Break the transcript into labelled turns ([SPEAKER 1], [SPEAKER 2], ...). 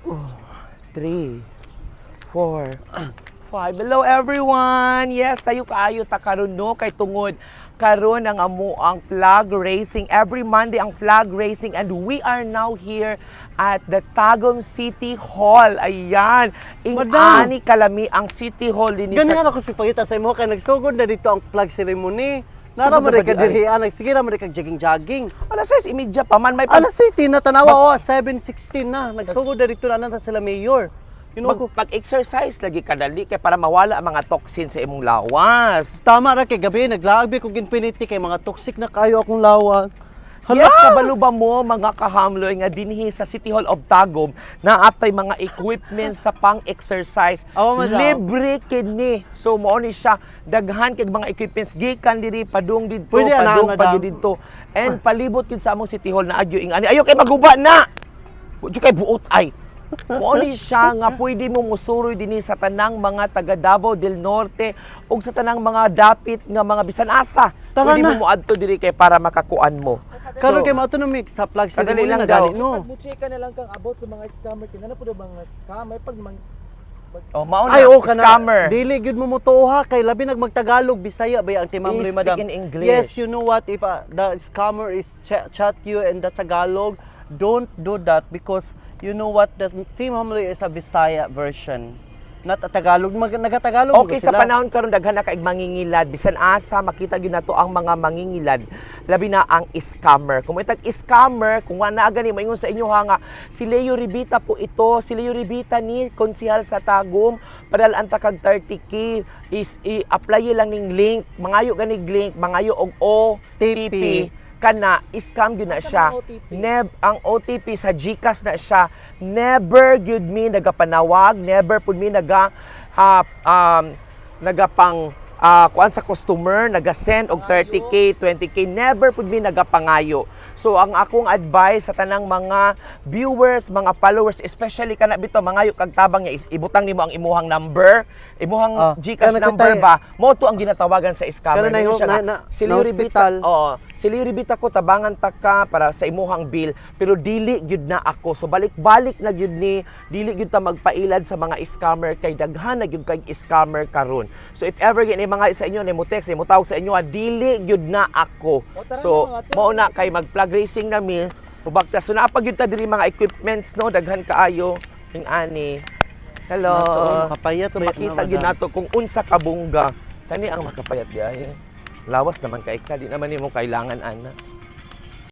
[SPEAKER 1] 3, 4, 5. Hello everyone! Yes, tayo kaayo ta karon no kay tungod karon ang ang flag racing. Every Monday ang flag racing and we are now here at the Tagum City Hall. Ayan, ingani kalami ang City Hall din
[SPEAKER 2] Ganyan ako si pangita sa imo kay nagsugod na dito ang flag ceremony. Nara mo ka dirihan, sige ra mo kag jogging.
[SPEAKER 1] Alas 6:30 pa man may
[SPEAKER 2] Alas 7 na tanawa 7:16 na. Nagsugod na dito na nanta sila mayor.
[SPEAKER 1] Pag-exercise lagi kadali kay para mawala ang mga toxins sa imong lawas.
[SPEAKER 2] Tama ra kay gabi naglaagbi ko ginpiniti kay mga toxic na kayo akong lawas.
[SPEAKER 1] Yes, kabalo ba mo mga kahamloy nga dinhi sa City Hall of Tagum na atay mga equipment sa pang-exercise. Libre kini. So mao ni siya daghan kay mga equipments gikan diri padung didto, padung pa didto. And palibot gid sa among City Hall na agyo ingani. Ayo kay maguba na. Budyo kay buot ay. Mao ni siya nga pwede mo musuroy dinhi sa tanang mga taga Davao del Norte ug sa tanang mga dapit nga mga bisan asa. Pwede mo moadto diri kay para makakuan mo.
[SPEAKER 2] Karon kay maato mi sa flag ceremony na gani no.
[SPEAKER 3] Pag-check ka na lang kang about sa mga scammer kinana pud mga scammer pag
[SPEAKER 1] mao na scammer.
[SPEAKER 2] Dili gyud mo motuha kay labi nagmagtagalog Bisaya ba ang timamloy madam.
[SPEAKER 1] In English.
[SPEAKER 2] Yes, you know what, if the scammer is chat you in the Tagalog, don't do that because you know what, the timamloy is a Bisaya version. Not a Tagalog, nagatagalog.
[SPEAKER 1] Okay, sa panahon karon daghan na kaig mangingilad, bisan asa makita gyud nato ang mga mangingilad, labi na ang scammer. Kung itag scammer, kung wala gani maingon sa inyo nga si Leo Ribita po ito, si Leo Ribita ni konsehal sa Tagum, padal anta kag 30k is i-apply lang ning link, mangayo ganig link, mangayo og OTP. Kana scam gyud na siya. Ang OTP sa GCash na siya. Never gyud mi nagapanawag, never pud mi nagapang kuan sa customer, naga-send og 30k, 20k, never pud mi nagapangayo. So ang akong advice sa tanang mga viewers, mga followers, especially kana bitaw mangayo kag tabang niya is ibutang nimo ang imuhang number, imuhang GCash number ba, mo to ang ginatawagan sa scammer.
[SPEAKER 2] Na hospital.
[SPEAKER 1] Si Liribita ko tabangan ta ka para sa imuhang bill, pero dili gyud na ako. So balik-balik na gyud ni, dili gyud ta magpailad sa mga scammer kay daghan na gyud kay scammer karon. So if ever gani mga sa inyo ni mo text, mo tawag sa inyo, dili gyud na ako. So mao na kay mag-flag racing na mi, ubagta so naa pa gyud ta diri mga equipments no, daghan kaayo ning ani. Hello.
[SPEAKER 2] Makapayat
[SPEAKER 1] so makita gyud nato kung unsa ka bungga. Kani ang makapayat diay. Lawas naman kay ka, di naman nimo kailangan ana.